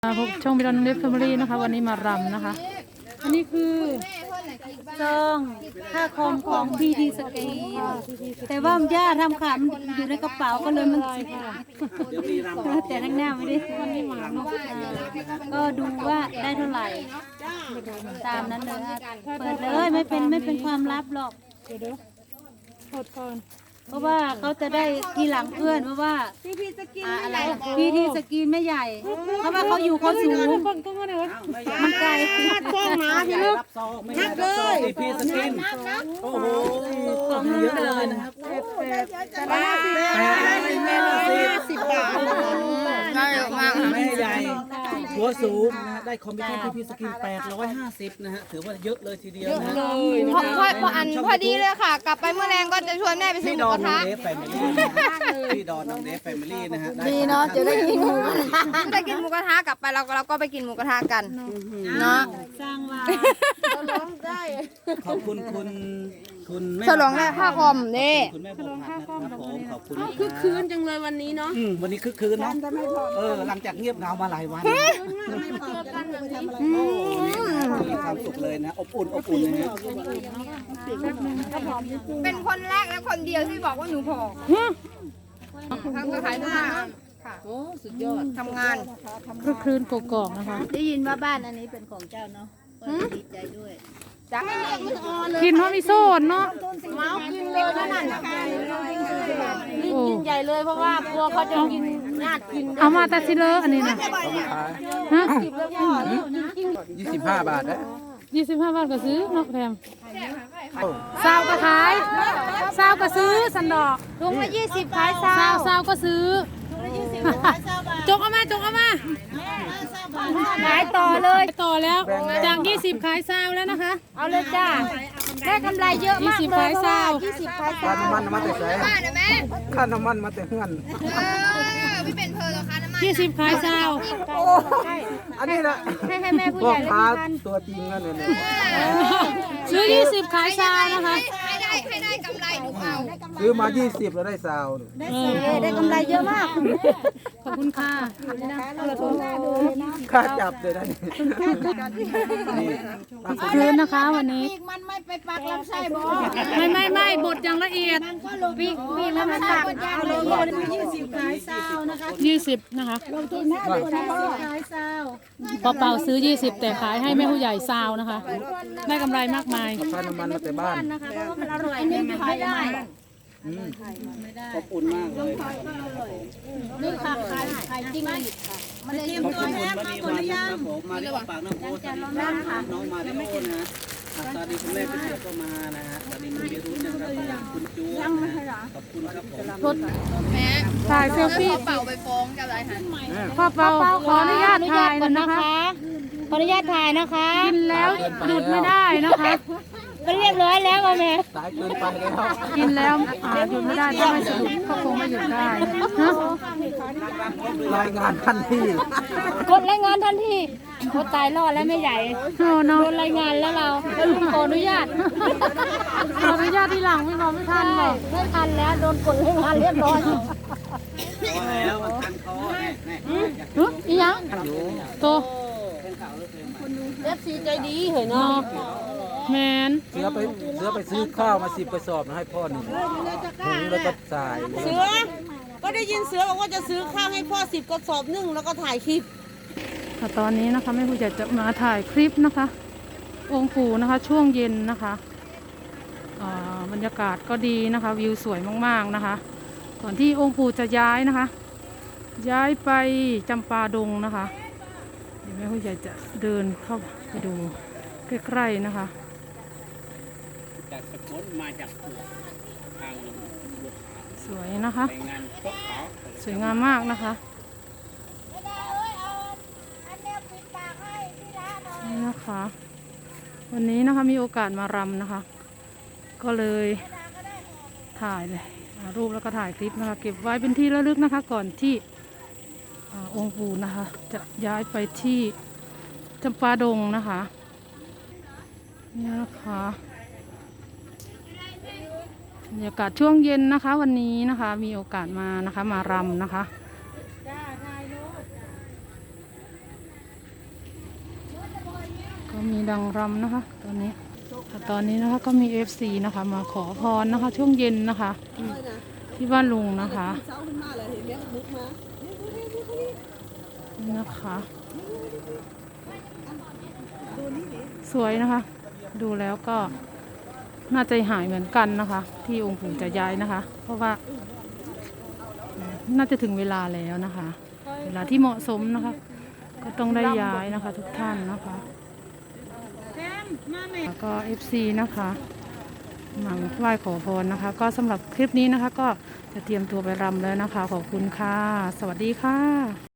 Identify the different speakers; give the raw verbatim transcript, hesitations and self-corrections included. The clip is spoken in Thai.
Speaker 1: พบช่องบิลล์เดฟแฟมิลี่นะคะวันนี้มารำนะคะอันนี้คือซองค่าคอมของพีทีสกีแต่ว่าย่าทำขามันอยู่ในกระเป๋าก็เลยมันแต่ทั้งหน้าไม่ได้วันนี้มาเนาะก็ดูว่าได้เท่าไหร่ตามนั้นเลยเปิดเลยไม่เป็นไม่เป็นความลับหรอกเดี๋ยวเปิดก่อนเพราะว่าเขาจะได้ทีหลังเพื่อนเพราะว่าพีทีสกินอะไรพีทีสกินไม่ใหญ่เพราะว่าเขาอยู่เขาสูงมันไกลนัดกล้องนะพี่ลูกนัดเลย
Speaker 2: พีทีสกินโอ้โหของเยอะเลยนะครับแปดแม่ละสิบบาท
Speaker 3: ได้เยอะมาก
Speaker 2: แม่ใหญ่หัวสูงนะได้คอมพิวเตอร์พีทีสกินแปดร้อยห้าสิบนะฮะถือว่าเยอะเลยทีเดียวนะ
Speaker 3: พอพอพออันพอดีเลยค่ะกลับไปเมื่อแรงก็จะชวนแม่ไปซื้อหมูกระทะ
Speaker 2: พี่ดอนน้องเดฟแฟมิลี่นะฮะ
Speaker 3: ดีเนาะจะได้กินหมูกระทะจะได้กินหมูกระทะกลับไปเราก็เราก็ไปกินหมูกระทะกันเนาะ
Speaker 1: สร้างว่า
Speaker 3: ร้องได้
Speaker 2: ขอบคุณคุณคุณแม่
Speaker 3: ฉลองได้ค่าคอมนี่
Speaker 2: คุณแม่บอกนะครับผมขอบคุณ
Speaker 3: คึกคืนจังเลยวันนี้เนาะ
Speaker 2: วันนี้คึกคืนเนาะเออหลังจากเงียบเหงามาหลายวันมีความสุขเลยนะอบอุ่นอบอุ่นนะฮะ
Speaker 3: เป็นคนแรกและคนเดียวที่บอกว่าหนูผอมทำก็ขายผ้าค่ะโอ้สุดยอดทำงาน
Speaker 1: คึกคืนกกอกนะคะ
Speaker 4: ได้ยินว่าบ้านอันนี้เป็นของเจ้าเนาะดีใจด้วย
Speaker 3: จ้า
Speaker 1: กินเพราะมีโซนเนาะ
Speaker 3: เมากินเลยนั่นน่ะนี่กินใหญ่เลยเพราะว่ากลัวเขาจะกินญาติกิน
Speaker 1: เอามาแต่ซิเลอร์อันนี้นะฮะ
Speaker 2: ยี่สิบห้าบาทนะ
Speaker 1: ยี่สิบห้าบาทก็ซื้อนกแถมซาวก็ขายซาวก็ซื้อสันดอก
Speaker 3: ถุงละยี่สิบขายซา
Speaker 1: ซาว
Speaker 3: ว
Speaker 1: ซาวก็ซื้อจกเอามาจกเอามา
Speaker 3: ขายต่อเลย
Speaker 1: ต่อแล้วจากยี่สิบขายซาวแล้วนะคะ
Speaker 3: เอาเลยจ้าได้กำไรเยอะมากเลยเพราะว่ายี่สิบขายซาว
Speaker 2: น้ำมันมาแต่ไหน
Speaker 3: บ้านนะแม่
Speaker 2: ค่าน้ำมันมาแต่เงิน
Speaker 3: พี่เป็นเพลินเหรอคะน้ำมัน
Speaker 1: ยี่สิบขายซาว
Speaker 2: อันนี้นะ
Speaker 3: ให้ให้แม่ผู้ใหญ่เลย
Speaker 2: กันตัวจริงนั่นเนี่ย
Speaker 1: ซื้อยี่สิบขายซาวนะคะ
Speaker 3: ให้ได้ให้ได้กำไรดูเอา
Speaker 2: ซื้อมายี่สิบแล้วได้ซาว
Speaker 3: ได้ได้กำไรเยอะมาก
Speaker 1: ขอบคุณค่ะ
Speaker 2: ค่าจับเลยนะ
Speaker 1: คืนนะคะวันนี้
Speaker 4: มันไม่ไปปักลำไส้บ่
Speaker 1: ไม่ไม่ไม่บดอย่างละเอียด
Speaker 4: ปีกปีกแล้วมันตักเอาเลยยี่สิบขายซาวนะคะ
Speaker 1: ยี่สิบนะคะ
Speaker 4: ลงทุนห้าสิบขายซาว
Speaker 1: พอเป่าซื้อยี่สิบแต่ขายให้แม่ผู้ใหญ่ซาวนะคะได้กำไรมากมาย
Speaker 2: ค่าน้ำมันมาแต่บ้าน
Speaker 4: นะคะเพราะว่ามันอร่อยนี่ขายได้
Speaker 2: อบอุ่นมากเลย
Speaker 4: นี่ค่ะขายขายจริงเลยค่ะมันเตรียมตัวแห้งมาคนละย่าง
Speaker 2: มาที่ปากน้ำโพสน้องมาที่โพนะสวัสดีคุณแม่คุณเจี๊ยบก็มานะฮะสวัสดีคุณเบียรุ้นะครับคุณจูขอบคุณครับผม
Speaker 3: แม่
Speaker 1: ถ่ายเซลฟี่
Speaker 3: เป่าไปฟ้องกับอะไรฮะ
Speaker 1: พ่อเป่าขออนุญาตถ่ายนะคะ
Speaker 3: ขออนุญาตถ่ายนะคะ
Speaker 1: กินแล้วหยุดไม่ได้นะคะ
Speaker 3: ก็เรียบร้อยแล้วแม่
Speaker 2: สายเกินไปแล้ว
Speaker 1: กินแล้วหยุดไม่ได้ถ้าไม่สนุกก็คงไม่หยุดได้ฮะ
Speaker 2: รายงานทันที
Speaker 3: กดรายงานทันทีเขาตายรอดแล้วไม่ใหญ่โดนรายงานแล้วเราขออนุญาต
Speaker 1: ขออนุญาตที่หลังไม่รอไม่ทันเลย
Speaker 3: ไม่ทันแล้วโดนกดรายงานเรียบร้อย
Speaker 2: แล้วทันคอ
Speaker 1: อีหยังโต
Speaker 3: เอฟซีใจดีเหรอเนาะ
Speaker 1: แมน
Speaker 2: เสือไปเสือไปซื้อข้าวมาสิบกระสอบมาให้พ่อหนึ่งถุงแล้วก็สาย
Speaker 4: เสือก็ได้ยินเสือบอกว่าจะซื้อข้าวให้พ่อสิบกระสอบนึ่งแล้วก็ถ่ายคลิป
Speaker 1: ตอนนี้นะคะแม่ผู้ใหญ่จะมาถ่ายคลิปนะคะองค์ปู่นะคะช่วงเย็นนะคะบรรยากาศก็ดีนะคะวิวสวยมากๆนะคะก่อนที่องค์ปู่จะย้ายนะคะย้ายไปจำปาดงนะคะเดี๋ยวแม่ผู้ใหญ่จะเดินเข้าไปดูใกล้ๆนะคะ
Speaker 2: จากสกุลมาจากทาง
Speaker 1: สวยนะคะสวยงามมากนะคะนี่นะคะวันนี้นะคะมีโอกาสมารำนะคะก็เลยถ่ายเลยรูปแล้วก็ถ่ายคลิปนะคะเก็บไว้เป็นที่ระลึกนะคะก่อนที่องค์ปู่นะคะจะย้ายไปที่จำปาดงนะคะนี่นะคะบรรยากาศช่วงเย็นนะคะวันนี้นะคะมีโอกาสมานะคะมารำนะคะมีดังรำนะคะตอนนี้ตอนนี้นะคะก็มี เอฟ ซี นะคะมาขอพรนะคะ ช่วงเย็นนะคะที่ที่บ้านลุงนะคะนี่นะคะ สวยนะคะ ดูแล้วก็น่าใจหายเหมือนกันนะคะ ที่องค์ปู่จะย้ายนะคะ เพราะว่าน่าจะถึงเวลาแล้วนะคะ เวลาที่เหมาะสมนะคะ ก็ต้องได้ย้ายนะคะ ทุกท่านนะคะแล้วก็ เอฟ ซี นะคะมาไหว้ขอพรนะคะ ก็สำหรับคลิปนี้นะคะ ก็จะเตรียมตัวไปรำแล้วนะคะ ขอบคุณค่ะ สวัสดีค่ะ